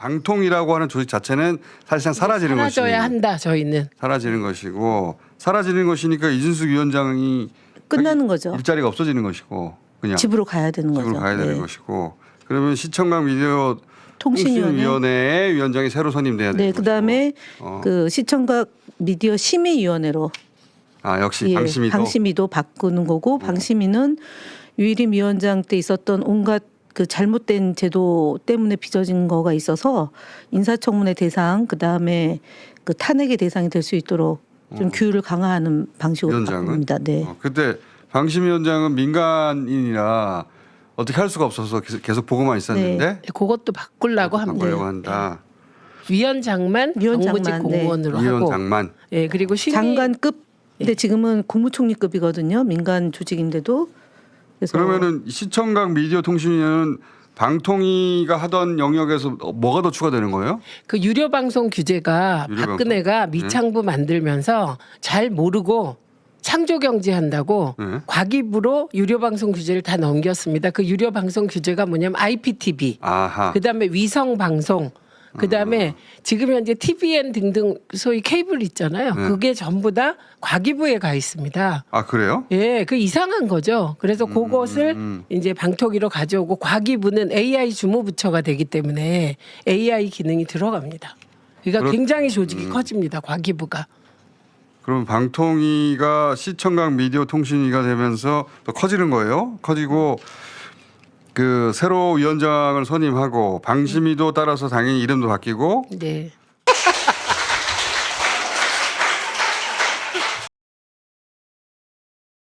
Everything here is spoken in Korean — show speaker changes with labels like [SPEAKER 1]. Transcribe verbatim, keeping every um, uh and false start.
[SPEAKER 1] 방통이라고 하는 조직 자체는 사실상 사라지는 것이
[SPEAKER 2] 사라져야 한다. 저희는
[SPEAKER 1] 사라지는 것이고 사라지는 것이니까 이준숙 위원장이
[SPEAKER 3] 끝나는 거죠.
[SPEAKER 1] 일자리가 없어지는 것이고 그냥
[SPEAKER 3] 집으로 가야 되는
[SPEAKER 1] 집으로
[SPEAKER 3] 거죠.
[SPEAKER 1] 가야 되는
[SPEAKER 3] 네.
[SPEAKER 1] 것이고 그러면 시청각 미디어
[SPEAKER 3] 통신위원회.
[SPEAKER 1] 통신위원회의 위원장이 새로 선임돼야 되는
[SPEAKER 3] 네,
[SPEAKER 1] 것이고.
[SPEAKER 3] 그다음에
[SPEAKER 1] 어.
[SPEAKER 3] 그 시청각 미디어 심의위원회로
[SPEAKER 1] 아 역시
[SPEAKER 3] 예,
[SPEAKER 1] 방심위도
[SPEAKER 3] 방심위도 바꾸는 거고 방심위는 유일임 위원장 때 있었던 온갖 그 잘못된 제도 때문에 빚어진 거가 있어서 인사청문회 대상 그다음에 그 탄핵의 대상이 될 수 있도록 좀
[SPEAKER 1] 어.
[SPEAKER 3] 규율을 강화하는 방식으로
[SPEAKER 1] 위원장은
[SPEAKER 3] 바꿉니다. 네.
[SPEAKER 1] 어, 그때 방심위원장은 민간인이라 어떻게 할 수가 없어서 계속, 계속 보고만 있었는데
[SPEAKER 2] 그것도 바꾸려고 합니다.
[SPEAKER 1] 바꾸려고 한다.
[SPEAKER 2] 위원장만
[SPEAKER 3] 위원장만,
[SPEAKER 2] 정무직
[SPEAKER 3] 네.
[SPEAKER 2] 공무원으로 하고
[SPEAKER 1] 위원장만
[SPEAKER 2] 예, 그리고 심의
[SPEAKER 3] 장관급 근데 지금은 국무총리급이거든요. 민간 조직인데도 그래서
[SPEAKER 1] 그러면은 시청각 미디어 통신위는 방통위가 하던 영역에서 뭐가 더 추가되는 거예요?
[SPEAKER 2] 그 유료 방송 규제가
[SPEAKER 1] 유료 방송?
[SPEAKER 2] 박근혜가 미창부 만들면서 잘 모르고 창조 경제한다고
[SPEAKER 1] 네.
[SPEAKER 2] 과기부로 유료 방송 규제를 다 넘겼습니다. 그 유료 방송 규제가 뭐냐면 아이피티비,
[SPEAKER 1] 아하.
[SPEAKER 2] 그다음에 위성 방송, 그다음에
[SPEAKER 1] 음.
[SPEAKER 2] 지금 현재 티비엔 등등 소위 케이블 있잖아요.
[SPEAKER 1] 네.
[SPEAKER 2] 그게 전부 다 과기부에 가 있습니다.
[SPEAKER 1] 아 그래요?
[SPEAKER 2] 예, 그 이상한 거죠. 그래서 그것을
[SPEAKER 1] 음.
[SPEAKER 2] 이제 방통위로 가져오고 과기부는 에이아이 주무부처가 되기 때문에 에이아이 기능이 들어갑니다. 그러니까
[SPEAKER 1] 그렇-
[SPEAKER 2] 굉장히 조직이
[SPEAKER 1] 음.
[SPEAKER 2] 커집니다. 과기부가.
[SPEAKER 1] 그럼 방통위가 시청각 미디어 통신위가 되면서 더 커지는 거예요? 커지고 그 새로 위원장을 선임하고 방심위도 따라서 당연히 이름도 바뀌고
[SPEAKER 2] 네.